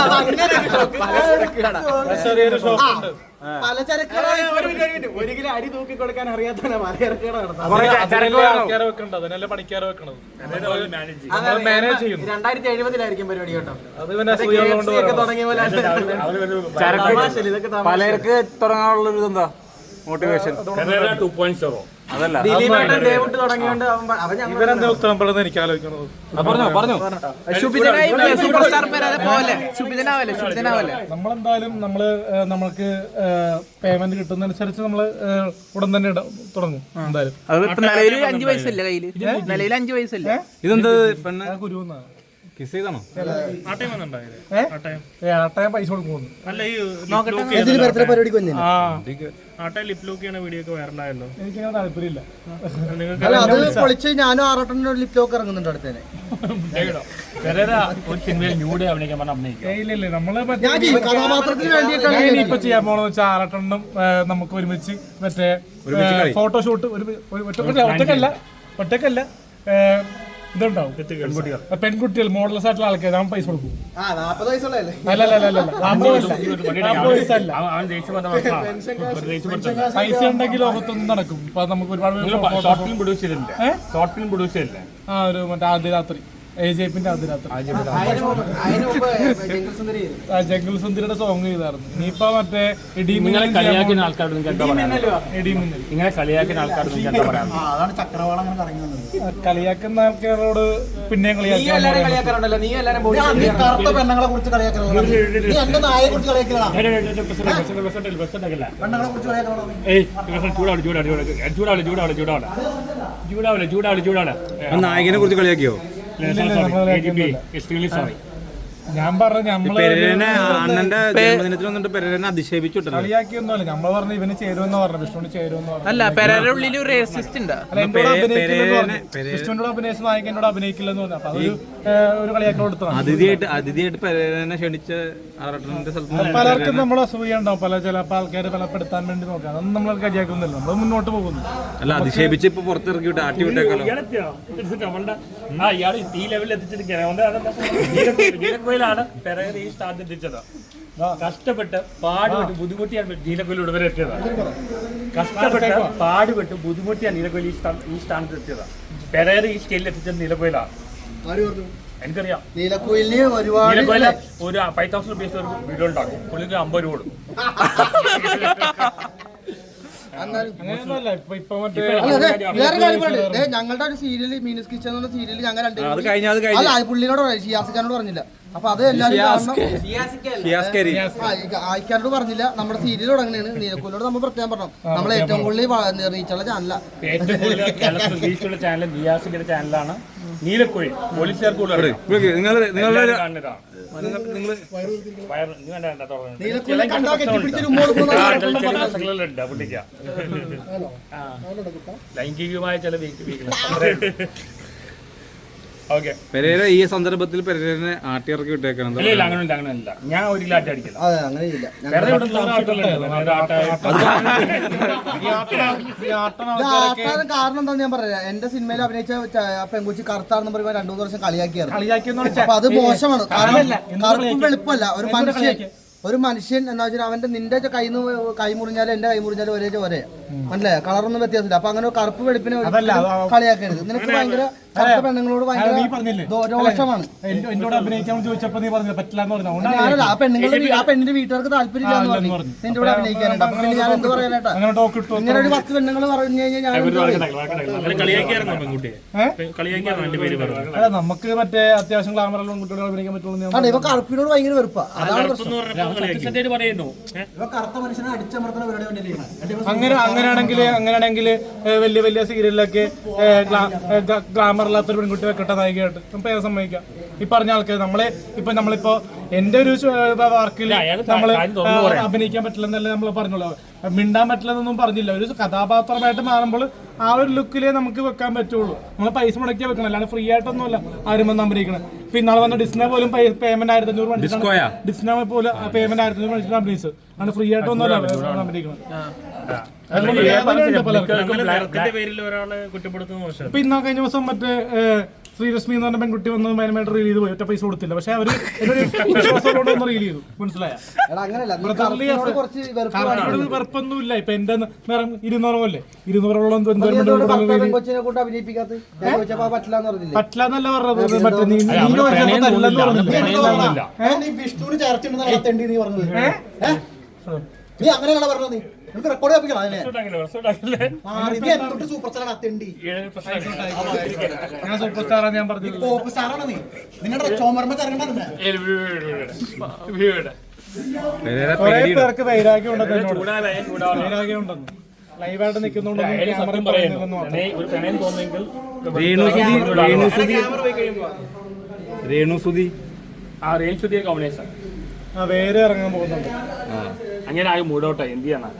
ചെറിയൊരു ഷോപ്പ് ഉണ്ട്.
പല ചരക്കുകളെ
ഒരു കിലോ അരി തൂക്കി കൊടുക്കാൻ അറിയാത്തവനെ പലചരക്കുകൾ
ആൾക്കാരെ വെക്കണ്ട, അതിനല്ലേ പണിക്കാരെ വെക്കണത്. മാനേജ് ചെയ്യുന്നു.
രണ്ടായിരത്തി എഴുപതിലായിരിക്കും പരിപാടി കേട്ടോ.
അത് പിന്നെ അസൂയുള്ളതുകൊണ്ട്
തുടങ്ങിയ പോലെ
ചരക്ക് പലചരക്ക് തുടങ്ങാനുള്ള ഒരു ഇതെന്താ മോട്ടിവേഷൻ?
ടു പോയിന്റ് സീറോ
അതല്ല,
ദിലീപേട്ടൻ ഡേവിട്ട് തുടങ്ങിയോണ്ട് അവൻ
ഇവരെന്താ ഉത്തരപ്പെടുന്നത് എനിക്ക് ആലോചിക്കുന്നത്.
പറഞ്ഞോ പറഞ്ഞോ.
ശുഭിതനായി സൂപ്പർ സ്റ്റാർ പെരേര പോലെ ശുഭിതനാവല്ലേ ശുഭിതനാവല്ലേ
നമ്മളെന്തായാലും നമ്മള് നമുക്ക് പേയ്മെന്റ് കിട്ടുന്നതനുസരിച്ച് നമ്മള് ഉടൻ തന്നെ തുടങ്ങും എന്തായാലും.
അത് ഇപ്പൊ നിലവിൽ അഞ്ചു വയസ്സല്ലേ കയ്യില്? നിലവിൽ അഞ്ചു വയസ്സല്ലേ?
ഇതെന്ത് പെണ്ണ്
ഗുരുവെന്നാണ്
കിസ് ചെയ്താണോ?
ആട്ടയം പൈസ കൊടുക്കുന്നു.
പരിപാടിക്ക് വന്നു.
എനിക്കങ്ങനെ താല്പര്യമില്ല.
അല്ല അത് പൊളിച്ച് ഞാനും ആറോട്ടൻ്റെ ലിപ് ലോക്ക് ഇറങ്ങുന്നുണ്ട് അടുത്തേനെ.
ഒരു സിനിമയിൽ ന്യൂഡേ അഭിനയിക്കാൻ പറഞ്ഞ അഭിനയിക്കാം.
ഇല്ല ഇല്ല നമ്മള്
ഞാൻ കഥാപാത്രത്തിന് വേണ്ടിയിട്ടാണ്
ഇപ്പൊ ചെയ്യാൻ പോണെന്ന് വെച്ചാൽ ആറട്ടെണ്ണം നമുക്ക് ഒരുമിച്ച് മറ്റേ ഫോട്ടോഷൂട്ട് ഒരു ഒറ്റക്കല്ല ഒറ്റക്കല്ല ഇതുണ്ടാവും. പെൺകുട്ടികൾ മോഡൽസ് ആയിട്ടുള്ള ആൾക്കാർ നമ്മൾ പൈസ കൊടുക്കും. അല്ല അല്ല അല്ല അമ്പത് വയസ്സല്ല, പൈസ ഉണ്ടെങ്കിൽ ലോകത്തൊന്നും നടക്കും. ഇപ്പൊ നമുക്ക് ഒരുപാട്
ഷോർട്ട് ഫിലിം പ്രൊഡ്യൂസ് ചെയ്തില്ലേ? ഷോർട്ട് ഫിലിം പ്രൊഡ്യൂസ് ചെയ്തില്ലേ?
ആ ഒരു മറ്റേ ആദ്യ രാത്രി ഏജേപ്പിന്റെ ആദ്യ രാത്രി ജംഗിൾ സുന്ദരിയുടെ സോങ് ചെയ്തായിരുന്നു. ഇനിയിപ്പോ മറ്റേ
നിങ്ങളെ കളിയാക്കുന്ന ആൾക്കാരോട് നിങ്ങൾക്ക് എന്താ പറയാ?
ഇടിമിന്നൽ
നിങ്ങളെ കളിയാക്കുന്ന ആൾക്കാരോട് നിങ്ങൾക്ക് എന്താ പറയാ?
അതാണ് ചക്രവാളം അങ്ങനെ കറങ്ങി വന്നത്.
കളിയാക്കുന്ന ആൾക്കാരോട് പിന്നെയും കളിയാക്കാൻ
കളിയാക്കാറുണ്ടല്ലോ. നീ എല്ലാരും
നീ കറുത്ത പെണ്ണുങ്ങളെ കുറിച്ച് കളിയാക്കലാണ്, നീ എന്റെ നായെ കുറിച്ച് കളിയാക്കലാണ്, പെണ്ണുങ്ങളെ കുറിച്ച് കളിയാക്കണം.
ചൂടാവല് ചൂടാവല് ചൂടാവല് ചൂടാവല് ചൂടാവല് ചൂടാവല് ചൂടാവല് ചൂടാവല്
നായകനെ കുറിച്ച് കളിയാക്കിയോ?
സോറി,
ഞാൻ പറഞ്ഞ നമ്മള്
അണ്ണന്റെ ജന്മദിനത്തിൽ വന്നിട്ട് പെരേരനെ അധിക്ഷേപിച്ചിട്ടുണ്ട്.
കളിയാക്കിയൊന്നുമല്ല, നമ്മള് പറഞ്ഞു ഇവന് ചേരുമെന്ന് പറഞ്ഞു, വിഷ്ണുവിന് ചേരുമെന്ന് പറഞ്ഞു.
അല്ല പെരേര ഉള്ളിൽ ഒരു റേസിസ്റ്റ് ഉണ്ട്.
അല്ല എന്നോട് അഭിനയിക്കില്ലെന്ന് പറഞ്ഞു, വിഷ്ണുവിനോട് അഭിനയിച്ച നായിക എന്നോട് അഭിനയിക്കില്ലെന്ന് പറഞ്ഞു. അപ്പൊ അതൊരു ഒരു കളിയാക്കി കൊടുത്തതാണ്.
അതിഥിയായിട്ട് അതിഥിയായിട്ട് പെരേരനെ ക്ഷണിച്ച ആറട്ടന്റെ സ്ഥലത്ത്
പലർക്കും നമ്മൾ അസൂയ ഉണ്ടാവും, പല ചിലപ്പോൾ ആൾക്കാർ പലപ്പെടുത്താൻ വേണ്ടി നോക്കാം. അതൊന്നും നമ്മൾ കളിയാക്കുന്നില്ല, നമ്മൾ മുന്നോട്ട് പോകുന്നു.
അല്ല അധിക്ഷേപിച്ച് ഇപ്പൊ പുറത്തിറക്കി വിട്ട് ആട്ടി വിട്ടേക്കാലോ.
ആ ഇയാൾ ഈ ലെവലിൽ എത്തിച്ചിരിക്കുകയാണ്. ാണ് പെരേര ഈ സ്ഥാനത്ത് എത്തിച്ചത്. കഷ്ടപ്പെട്ട് പാടുപെട്ട് ബുദ്ധിമുട്ടിയാണ് നീലക്കൊല്ലി വരെ എത്തിയതാണ്. കഷ്ടപ്പെട്ട് പാടുപെട്ട് ബുദ്ധിമുട്ടിയാണ് നീലക്കൊല്ലി ഈ സ്ഥാനത്ത് എത്തിയത്. പെരേര ഈ സ്കെയിലിൽ എത്തിച്ചത് നീലക്കൊയിലാണ്. എനിക്കറിയാം.
നീലക്കുയിലിന് ഒരുപാട്
നീലക്കൊയില് ഒരു ഫൈവ് തൗസൻഡ് റുപ്പീസ് ഒരു വീഡിയോ ഉണ്ടാക്കും, പുള്ളിക്ക് അമ്പത് രൂപ കൊടുക്കും.
അങ്ങനെയൊന്നുമല്ല ഇപ്പൊ ഇപ്പൊ മറ്റേ
അല്ല, അതെ, വേറെ കാര്യം പറയട്ടെ. ദേ, ഞങ്ങളുടെ ഒരു സീരിയല് മീനസ് കിച്ചൺ എന്ന സീരിയല് ഞങ്ങൾ
അത് കഴിഞ്ഞ അത്
അല്ല അത് പുള്ളിനോട് പറഞ്ഞു, ഷിയാസിക്കാനോട് പറഞ്ഞില്ല. അപ്പൊ അത് എല്ലാവരും കാരണം
ഷിയാസ്കരി
ആയിക്കാരോട് പറഞ്ഞില്ല. നമ്മുടെ സീരിയൽ തുടങ്ങുന്നതാണ്. നീലക്കൂലോട് നമ്മൾ പ്രത്യേകം പറഞ്ഞു, നമ്മൾ ഏറ്റവും കൂടുതൽ റീച്ചുള്ള ചാനല
ഏറ്റവും കൂടുതൽ കേരളത്തിൽ റീച്ചുള്ള ചാനൽ നിയാസിന്റെ ചാനലാണ് നീലക്കോഴി. പോലീസുകാർക്ക് കൂടുതൽ
നിങ്ങൾ നിങ്ങളുടെ
കാണുന്നതാണ്. വയറ് നീ വേണ്ട വേണ്ട തുറന്നു.
നീലക്കൂലിനെ കണ്ടാ കെട്ടിപ്പിടിച്ചൊരു ഉമ്മ കൊടുക്കുന്ന
പ്രശ്നങ്ങളുണ്ട് പുള്ളിക്ക. ലൈംഗികമായ ചില വീക്ക് ഓക്കെ.
പെരേര ഈ സന്ദർഭത്തിൽ പെരേരനെ ആട്ടിയിറക്കി വിട്ടേക്കണം.
ഇല്ല ഇല്ല അങ്ങനെയില്ല അങ്ങനെയില്ല. ഞാൻ ഒരു ലാറ്റ അടിക്കില്ല.
അതെ, അങ്ങനെ ഇല്ല.
വേറെ ഇവിടെ നൂറ് ആട്ടുകളുണ്ട്. വേറെ ആട്ട
ആട്ടാൻ കാരണം എന്താന്ന് ഞാൻ പറയാം. എന്റെ സിനിമയിൽ അഭിനയിച്ച ച- പെൺകുച്ചി കറുത്താണെന്ന് പറയുമ്പോൾ രണ്ടു മൂന്ന് വർഷം കളിയാക്കിയാണ്.
കളിയാക്കിയെന്ന്
അപ്പൊ അത് മോശമാണ്. കാരണം കറുപ്പും വെളുപ്പല്ല. ഒരു മനുഷ്യൻ ഒരു മനുഷ്യൻ എന്താ വെച്ചാൽ അവന്റെ നിന്റെ കൈ കൈ മുറിഞ്ഞാലും എന്റെ കൈ മുറിഞ്ഞാലും ഒരേ ഒരേ മനസ്സിലായ കളറൊന്നും വ്യത്യാസമില്ല. അപ്പൊ അങ്ങനെ കറുപ്പ് വെളുപ്പിനെ കളിയാക്കരുത്. നിനക്ക് ഭയങ്കര കറുത്ത പെണ്ണുങ്ങളോട് ഭയങ്കര ദോഷമാണ്.
എന്നോട് അഭിനയിക്കാൻ ചോദിച്ചപ്പോ നീ പറഞ്ഞില്ല പറ്റില്ല എന്ന് പറഞ്ഞു.
ഞാനല്ല ആ പെണ്ണുങ്ങളുടെ ആ പെണ്ണിന്റെ വീട്ടുകാർക്ക് താല്പര്യമില്ല എന്ന് പറഞ്ഞു നിന്റെ കൂടെ അഭിനയിക്കാനുണ്ട്. അപ്പൊ പിന്നെ ഞാൻ എന്ത് പറയാനായിട്ടാ?
അങ്ങനെ ടോക്ക് ഇട്ടു.
ഇങ്ങനെ ഒരു പത്ത് പെണ്ണുങ്ങൾ പറഞ്ഞു കഴിഞ്ഞാൽ ഞാൻ എന്ത് പറയും?
അല്ല നമുക്ക് മറ്റേ അത്യാവശ്യം ഗ്ലാമറുള്ള കുട്ടികളെ അഭിനയിക്കാൻ പറ്റുള്ളൂ.
അതെ, ഇവ കറുപ്പിനോട് ഭയങ്കര വെറുപ്പാ. അതാണ് പ്രശ്നം.
പറയുന്നു
കറുത്ത മനുഷ്യനെ അടിച്ചമർത്തുന്ന പരിപാടി കൊണ്ടല്ലേ
അങ്ങനെ അങ്ങനെയാണെങ്കിൽ അങ്ങനെയാണെങ്കിൽ വലിയ വലിയ സീരിയലിലൊക്കെ ഗ്ലാമറില്ലാത്തൊരു പെൺകുട്ടി വെക്കട്ടെ നായികയായിട്ട് നമുക്ക് ഏത് സമ്മതിക്കാം. ഈ പറഞ്ഞ ആൾക്കാർ നമ്മളെ ഇപ്പൊ നമ്മളിപ്പോ എന്റെ ഒരു വർക്കിൽ നമ്മള് അഭിനയിക്കാൻ പറ്റില്ലെന്നല്ലേ നമ്മൾ പറഞ്ഞോളൂ. മിണ്ടാൻ പറ്റില്ലെന്നൊന്നും പറഞ്ഞില്ല. ഒരു കഥാപാത്രമായിട്ട് മാറുമ്പോൾ ആ ഒരു ലുക്കിലേ നമുക്ക് വെക്കാൻ പറ്റുള്ളൂ. നമ്മൾ പൈസ മുടക്കിയാ വെക്കണം, അല്ലാണ്ട് ഫ്രീ ആയിട്ടൊന്നുമല്ല ആരും വന്ന് അഭിനയിക്കണം. ഇപ്പൊ ഇന്നാളെ വന്ന ഡിസ്നെ പോലും പേയ്മെന്റ് ആയിരത്തി അഞ്ഞൂറ് വേണ്ടിയിട്ടാണ് ഡിസ്നെ പോലും പേയ്മെന്റ് ആയിരത്തി അഞ്ഞൂറ് വേണ്ടിയിട്ടാണ് അഭിനയിച്ചത്. ആണ് ഫ്രീ ആയിട്ടൊന്നുമല്ല അഭിനയിക്കണം. ഇപ്പൊ ഇന്നാ കഴിഞ്ഞ ദിവസം മറ്റേ ശ്രീലക്ഷ്മി എന്ന് പറഞ്ഞ പെൺകുട്ടി വന്ന് മൈനമായിട്ട് റീൽ ചെയ്ത് പോയി. ഒറ്റ പൈസ കൊടുത്തില്ല. പക്ഷെ അവര് വിശ്വാസത്തോടെ ഒന്ന് റീൽ ചെയ്തു. മനസ്സിലായ വെറുപ്പൊന്നുമില്ല. ഇപ്പൊ എന്റെ നിറം ഇരുന്നൂറോല്ലേ ഇരുന്നൂറോളം പറ്റില്ല എന്നല്ല പറഞ്ഞത്. മറ്റേ
വിഷ്ണുവിന് ചേർച്ചിട്ടുണ്ടെന്ന് നീ പറഞ്ഞത്. നീ അങ്ങനെയാണ് പറഞ്ഞത്. നീ നിനക്ക് റെക്കോർഡ് ചെയ്യിപ്പിക്കണം അതിനെ. സൂപ്പർ സ്റ്റാറാണ് അത്തെണ്ടി.
ഞാൻ സൂപ്പർ സ്റ്റാറാണ് ഞാൻ പറഞ്ഞത്.
പോപ്പ് സ്റ്റാറാണ് നീ. നിങ്ങളുടെ ചോമർമ്മ കറങ്ങണ്ട.
കുറെ പേർക്ക് വൈരാഗ്യം ഉണ്ടെന്ന് എന്നോട്. വൈരാഗ്യം ഉണ്ടെന്ന് ലൈവായിട്ട് നിൽക്കുന്നുണ്ടെന്ന്
രേണുസുതി
ആ രേണുസുതിയെ കോമ്പിനേഷൻ
ആ വേറെ ഇറങ്ങാൻ പോകുന്നുണ്ട്.
അങ്ങനെ ആകെ മൂടോട്ടായി. എന്ത് ചെയ്യണം?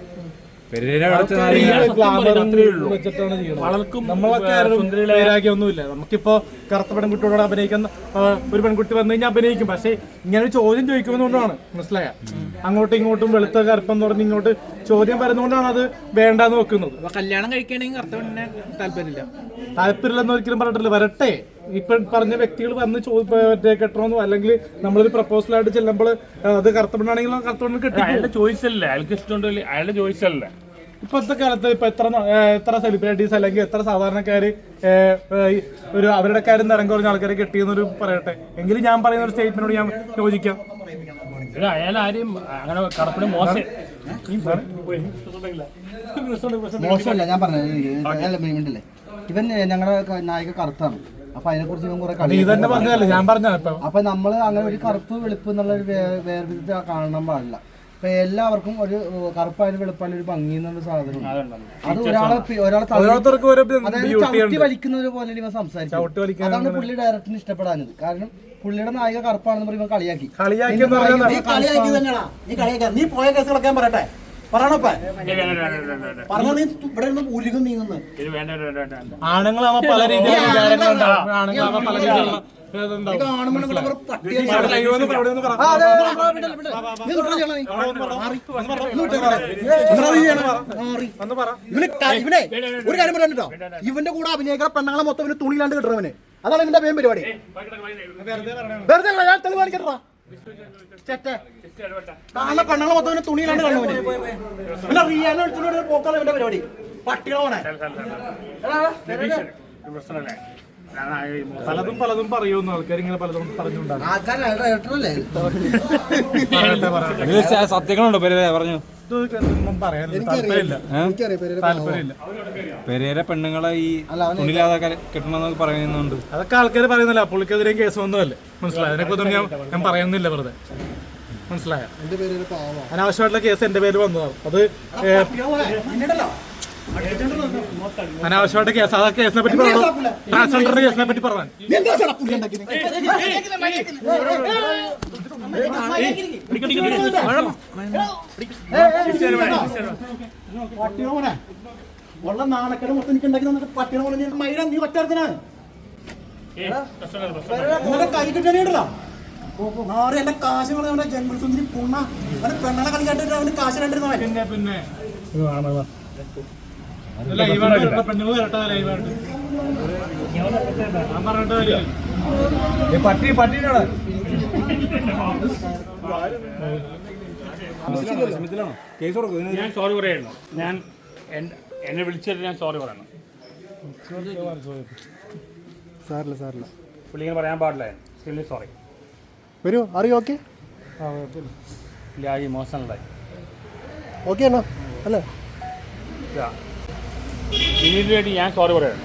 വെച്ചിട്ടാണ് ചെയ്യുന്നത്. നമ്മളൊക്കെ വൈരാഗ്യം ഒന്നുമില്ല. നമുക്കിപ്പോ കറുത്ത പെൺകുട്ടിയോട് അഭിനയിക്കുന്ന ഒരു പെൺകുട്ടി വന്നു കഴിഞ്ഞാൽ അഭിനയിക്കും. പക്ഷെ ഇങ്ങനെ ഒരു ചോദ്യം ചോദിക്കുന്നതുകൊണ്ടാണ്. മനസ്സിലായ അങ്ങോട്ടും ഇങ്ങോട്ടും വെളുത്ത കറുപ്പെന്ന് പറഞ്ഞ് ഇങ്ങോട്ട് ചോദ്യം വരുന്നതുകൊണ്ടാണ് അത് വേണ്ടാന്ന് വെക്കുന്നത്.
കല്യാണം കഴിക്കുകയാണെങ്കിൽ കറുത്ത പെണ്ണിനെ താല്പര്യമില്ല.
താല്പര്യമില്ലെന്ന് ഒരിക്കലും പറഞ്ഞിട്ടില്ല. വരട്ടെ. ഇപ്പൊ പറഞ്ഞ വ്യക്തികൾ വന്ന് മറ്റേ കെട്ടണമെന്നോ അല്ലെങ്കിൽ നമ്മളൊരു പ്രപ്പോസലായിട്ട് ചെല്ലുമ്പോൾ അത് കറുത്ത പെണ്ണാണെങ്കിൽ കറുത്ത പെണ്ണ് കെട്ടി.
അയാളുടെ ചോയ്സല്ലേ, അയാൾക്ക് ഇഷ്ടമുണ്ടല്ലേ, അയാളുടെ ചോയ്സല്ലേ.
ഇപ്പോഴത്തെ കാലത്ത് ഇപ്പൊ എത്ര എത്ര സെലിബ്രിറ്റീസ് അല്ലെങ്കിൽ എത്ര സാധാരണക്കാര് ഒരു അവരുടെ കാര്യം നിറം കുറഞ്ഞ ആൾക്കാരെ കെട്ടിയെന്നൊരു പറയട്ടെ. എങ്കിലും ഞാൻ പറയുന്ന ഒരു സ്റ്റേറ്റ്മെന്റോട് ഞാൻ യോജിക്കാം.
അയാൾ ആരെയും അങ്ങനെ കടപ്പിന് മോശം
മോശമല്ല. ഞാൻ പറഞ്ഞല്ലേ ഇവൻ ഞങ്ങളുടെ നായിക കറുത്താണ്. അപ്പൊ അതിനെ കുറിച്ച് ഇവൻ കുറെ കളി
തന്നെ പറഞ്ഞല്ലേ ഞാൻ പറഞ്ഞ.
അപ്പൊ നമ്മള് അങ്ങനെ ഒരു കറുപ്പ് വെളുപ്പ് എന്നുള്ള ഒരു വേർതിരിച്ച് കാണാൻ പാടില്ല. ഇപ്പൊ എല്ലാവർക്കും ഒരു കറുപ്പായാലും വെളുപ്പായാലും ഒരു ഭംഗി എന്നുള്ള സാധനം അത് ഒരാളെ ഒരാളെ ചവിട്ടി വലിക്കുന്നത് പോലെ ഇവ സംസാരിക്കും. അതാണ് പുള്ളി ഡയറക്ടറിന് ഇഷ്ടപ്പെടാഞ്ഞത്. കാരണം പുള്ളിയുടെ നായിക കറുപ്പാണെന്ന് പറയുമ്പോൾ കളിയാക്കി കളിയാക്കി
നീ പോയ കേസുകളൊക്കെ പറയട്ടെ പറയണപ്പ പറഞ്ഞ നീ ഇവിടെ നിന്ന് ഉരുകും നീങ്ങുന്നു.
ആണുങ്ങളാവുമ്പോ പല രീതിയിലുള്ള ആണുങ്ങളാവുമ്പോ പല രീതിയിലുള്ള
ഒരു കാര്യം പറയാൻ ഇവന്റെ കൂടെ അഭിനയിക്കുന്ന പെണ്ണുങ്ങളെ മൊത്തം ഇവന് തുണിയിലാണ്ട് കിട്ടണവന്. അതാണ് ഇവന്റെ മെയിൻ പരിപാടി. വെറുതെ ഞാൻ തെളിവ് കാണിക്കട്ടാ കാണുന്ന പെണ്ണുങ്ങളെ മൊത്തം ഇവന് തുണിയിലാണ്ട് കാണുവന്. പിന്നെ റിയാനെ വിളിച്ചോണ്ട് പോക്കാണ് ഇവന്റെ പരിപാടി. പട്ടികളാണ്
പലതും പലതും പറയുന്നു ആൾക്കാർ ഇങ്ങനെ പലതും പറഞ്ഞുണ്ടാകും.
സത്യങ്ങളുണ്ടോ പെരേര പറഞ്ഞു?
ഇതൊന്നും പറയാനില്ല, താല്പര്യമില്ല താല്പര്യമില്ല.
പെരേര പെണ്ണുങ്ങളെ ഈ തുണിലാതെ കെട്ടണമെന്നൊക്കെ പറയുന്നുണ്ട്.
അതൊക്കെ ആൾക്കാർ പറയുന്നില്ല, പുള്ളിക്കെതിരെയും കേസ് ഒന്നുമല്ലേ, മനസ്സിലായോ? അതിനെക്കുറിച്ചൊന്നും ഞാൻ ഞാൻ പറയുന്നില്ല വെറുതെ, മനസ്സിലായോ? അനാവശ്യമായിട്ടുള്ള കേസ് എന്റെ പേര് വന്നതാണ്. അത് അനാവശ്യമായിട്ട് കേസ്, ആ കേസിനെ പറ്റി പറഞ്ഞു, ട്രാൻസ്ജെൻഡറിന്റെ കേസിനെ പറ്റി പറഞ്ഞു.
പട്ടിയോനെ ഉള്ള നാണക്കേട് മൊത്തം എനിക്ക് ഉണ്ടാക്കി തന്നിട്ട് പട്ടിയെ പോലെ മൈര നീ ഒറ്റത്തിനാണ് കൈ കിട്ടണേണ്ടല്ലോ. നാറ് എന്റെ കാശ് അവന്റെ ജംഗിൾ സുന്ദരി പുണ്ണ അവന് പെണ്ണളെ കളിക്കാട്ട് അവന് കാശ് കണ്ടിരുന്നവൻ.
പിന്നെ പിന്നെ ലൈവായിട്ട് പെണ്ണുങ്ങൾ വരട്ടെ, ലൈവായിട്ട് ഞാൻ പറഞ്ഞിട്ട് പട്ടി പട്ടിയിലാണ്
കേസ് കൊടുക്കും.
ഞാൻ സോറി പറയുന്നു. ഞാൻ എന്നെ വിളിച്ചിട്ട് ഞാൻ സോറി പറയണം.
സാറില്ല സാറില്ല
പുള്ളിങ്ങനെ പറയാൻ പാടില്ല. Really sorry.
വരൂ അറിയോ? ഓക്കെ
ഇല്ല, ഈ ഇമോഷണലായി.
ഓക്കെ ആണോ? അല്ലേ
ഇതിനു വേണ്ടി ഞാൻ സോറി പറയണം.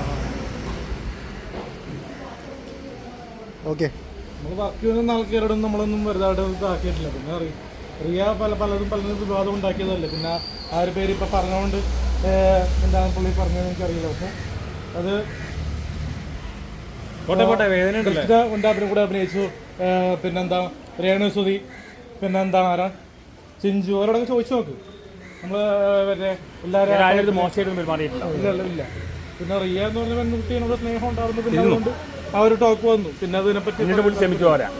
ഓക്കെ.
നമ്മൾ ബാക്കിയൊന്നും ആൾക്കാരോടൊന്നും നമ്മളൊന്നും വെറുതെ ഇതാക്കിയിട്ടില്ല. പിന്നെ അറിയാം റിയ പല പലതും പലതും വിവാദം ഉണ്ടാക്കിയതല്ലേ. പിന്നെ ആ ഒരു പേര് ഇപ്പം പറഞ്ഞുകൊണ്ട് എന്താണ് പുള്ളി പറഞ്ഞതെന്ന് എനിക്കറിയില്ല. പക്ഷെ അത് ഉണ്ടാപ്പിനും കൂടെ അഭിനയിച്ചു. പിന്നെന്താ രേണുസുതി, പിന്നെന്താ ആരാ ചിഞ്ചു, അവരോടൊക്കെ ചോദിച്ചു നോക്ക്. നമ്മൾ മറ്റേ എല്ലാവരും
മോശമായിട്ട് പെരുമാറിയിട്ടില്ല.
ഇല്ല ഇല്ല. പിന്നെ റിയ എന്ന് പറഞ്ഞ പെൺകുട്ടിയോട് സ്നേഹം ഉണ്ടായിരുന്നു. പിന്നെ അതുകൊണ്ട് ആ ഒരു ടോക്ക് വന്നു. പിന്നെ അതിനെപ്പറ്റി
ക്ഷമിച്ചു പോരാ.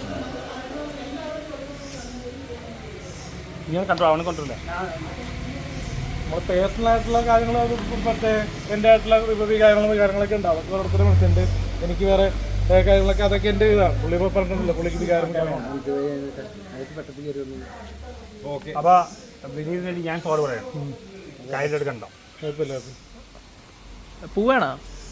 ഇങ്ങനെ കണ്ടോ അവനെ കൊണ്ടില്ല.
നമ്മൾ പേഴ്സണൽ ആയിട്ടുള്ള കാര്യങ്ങൾ മറ്റേ എൻ്റെ ആയിട്ടുള്ള വികാരങ്ങളും വികാരങ്ങളൊക്കെ ഉണ്ടാവും. അതൊക്കെ ഓരോരുത്തരും മനസ്സിലുണ്ട്. എനിക്ക് വേറെ കാര്യങ്ങളൊക്കെ അതൊക്കെ എൻ്റെ ഇതാണ്. പുള്ളി ഇപ്പോൾ പറഞ്ഞിട്ടില്ല പുള്ളിക്ക് വികാരം.
ഓക്കെ. അപ്പോൾ വിനീതിന് വേണ്ടി ഞാൻ സോറി പറയണം. കയ്യിലെടുക്കണ്ടോ?
കുഴപ്പമില്ല.
പൂവാണോ?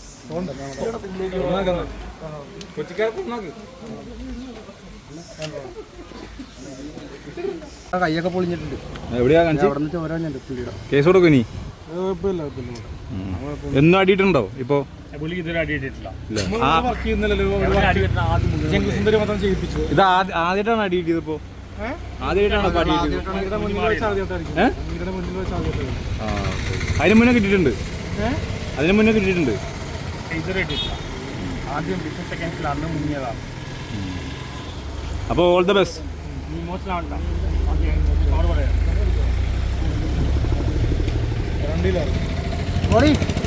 കൈയൊക്കെ പൊളിഞ്ഞിട്ടുണ്ട്.
എവിടെയാ കേസ് കൊടുക്കും ഇനി?
കുഴപ്പമില്ല കുഴപ്പമില്ല.
എന്നും അടിയിട്ടുണ്ടോ ഇപ്പോ?
പുള്ളിക്ക് ഇതുവരെ അടിയിട്ടിട്ടില്ല.
വർക്ക് ചെയ്യുന്നില്ലല്ലോ. സുന്ദരി മാത്രം ചെയ്യിപ്പിച്ചു.
ഇത് ആദ്യമായിട്ടാണ് അടി കിട്ടിയത്? ഇപ്പോ ആദ്യമായിട്ടാണ് അടി കിട്ടിയത്? അതിന് മുന്നേ കിട്ടിയിട്ടുണ്ട്. അതിന് മുന്നേ കിട്ടിയിട്ടുണ്ട്.
ഇതുവരെ കിട്ടിയിട്ടില്ല. ആദ്യം ബിസിനസ് സെക്കൻഡ്സിൽ അന്ന് മുങ്ങിയതാണ്.
അപ്പോൾ ഓൾ ദ ബെസ്റ്റ്.
ഇമോഷണൽ ആവണ്ട. സോറി പറയാം.
രണ്ടിലാണ്.